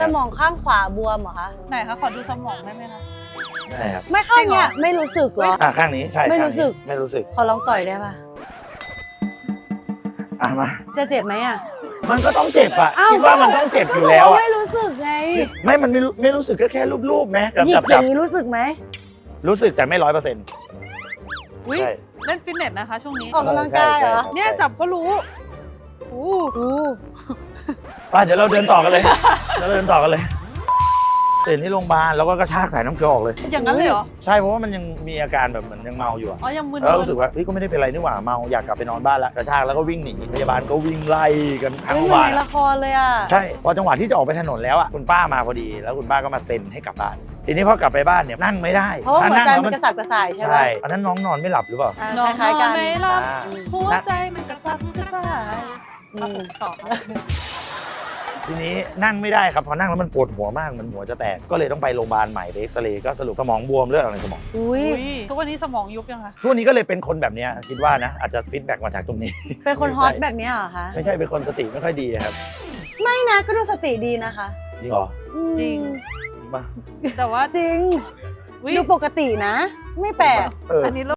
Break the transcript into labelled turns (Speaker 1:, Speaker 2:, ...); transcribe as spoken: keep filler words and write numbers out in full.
Speaker 1: สมองข้างขวาบวมเหรอคะ
Speaker 2: ไหนคะขอดูสมองได้ไหมคะ
Speaker 3: ได้ครับ
Speaker 1: ไม่ข้างเนี้ยไม่รู้สึกเหรอ
Speaker 3: อ่ะข้างนี้ใช่
Speaker 1: ไม่
Speaker 3: ข้าง
Speaker 1: รู้สึ
Speaker 3: นี้
Speaker 1: ก
Speaker 3: ไม่รู้สึก
Speaker 1: ขอลองต่อยได้ปะ
Speaker 3: อ่ะมา
Speaker 1: จะเจ็บไหมอ่ะ
Speaker 3: มันก็ต้องเจ็บอ่ะ
Speaker 1: อ้าว
Speaker 3: คิดว่ามันต้องเจ็บอยู่แล้วอ่ะ
Speaker 1: ไม่รู้สึกไง
Speaker 3: ไม่มันไม่รู้ไม่รู้สึกก็แค่รูปๆไหมกับ
Speaker 1: หยิ
Speaker 3: จั
Speaker 1: บบ อ
Speaker 3: จั
Speaker 1: ย่า
Speaker 3: บ
Speaker 1: งนี้รู้สึกไหม
Speaker 3: รู้สึกแต่ไม่ร้อยเปอร์เซ็นต์
Speaker 2: อุ้ย
Speaker 3: ใช่
Speaker 2: เล่นฟิตเนสนะคะช่วงนี้
Speaker 1: ออกกำลังกายเหรอ
Speaker 2: เนี่ยจับก็รู้อู้
Speaker 1: อู้
Speaker 3: ไปเดี๋ยวเราเดินต่อกันเลยเดี๋ยวเราเดินต่อกันเลยตื่นที่โรงพยาบาลแล้วก็กระชากสายน้ำเกลือออกเลย
Speaker 2: อย่างนั้นเลยเหรอ
Speaker 3: ใช่เพราะว่ามันยังมีอาการแบบเหมือนยังเมาอยู่อะ
Speaker 2: อ๋อยังมึน
Speaker 3: แล้วรู้สึกว่าเฮ้ยก็ไม่ได้เป็นไรนี่หว่าเมาอยากกลับไปนอนบ้านละกระชากแล้วก็วิ่งหนีพยาบาลก็วิ่งไล่กันทั้ง
Speaker 1: ไม่
Speaker 3: โรง
Speaker 1: เห
Speaker 3: พ
Speaker 1: มือน
Speaker 3: ยาบาล
Speaker 1: ในละครเลยอ่ะ
Speaker 3: ใช่พอจังหวะที่จะออกไปถนนแล้วอ่ะคุณป้ามาพอดีแล้วคุณป้าก็มาเซ็นให้กลับบ้านทีนี้พอกลับไปบ้านเนี่ยนั่งไม่ได้
Speaker 1: เพราะว่าหัวใจ
Speaker 3: ถ้า
Speaker 1: มัน
Speaker 3: ง
Speaker 1: กระสับกระส่ายใช่
Speaker 3: ใช่
Speaker 1: ป่ะ
Speaker 3: อันนั้นน้องนอนไม่หลับหรือเปล่า
Speaker 1: อ่า
Speaker 2: น้อง
Speaker 1: คล้ายๆกัน
Speaker 2: ไม่หลับ
Speaker 3: อ่า
Speaker 2: หัวใจมันกระซับกระส่าย
Speaker 1: อื
Speaker 2: ครับ
Speaker 1: ม
Speaker 2: ผมต่อ
Speaker 3: ทีนี้นั่งไม่ได้ครับพอนั่งแล้วมันปวดหัวมากมันหัวจะแตกก็เลยต้องไปโรงพยาบาลใหม่ไปเอ็กซเรย์ก็สรุปสมองบวมเลือดออกในสมอง
Speaker 1: อุ้ย
Speaker 2: อุ้ยทุกวันนี้สมองยุบยังคะ
Speaker 3: ทุกวันนี้ก็เลยเป็นคนแบบเนี้ยคิดว่านะอาจจะฟีดแบ็กมาจากตรงนี้
Speaker 1: เป็นคนฮอตแบบเนี้ยเหรอคะ
Speaker 3: ไม่ใช่เป็นคนสติไม่ค่อยดีครับ
Speaker 1: ไม่นะก็ดูสติดีนะคะ
Speaker 3: จริงเหรอ
Speaker 1: อืม
Speaker 2: จริง
Speaker 3: จริงป่ะ
Speaker 2: แต่ว่า
Speaker 1: จริง
Speaker 2: อุ๊ย
Speaker 1: ดูปกตินะ ไม่แปลก
Speaker 3: เออ
Speaker 2: อันนี้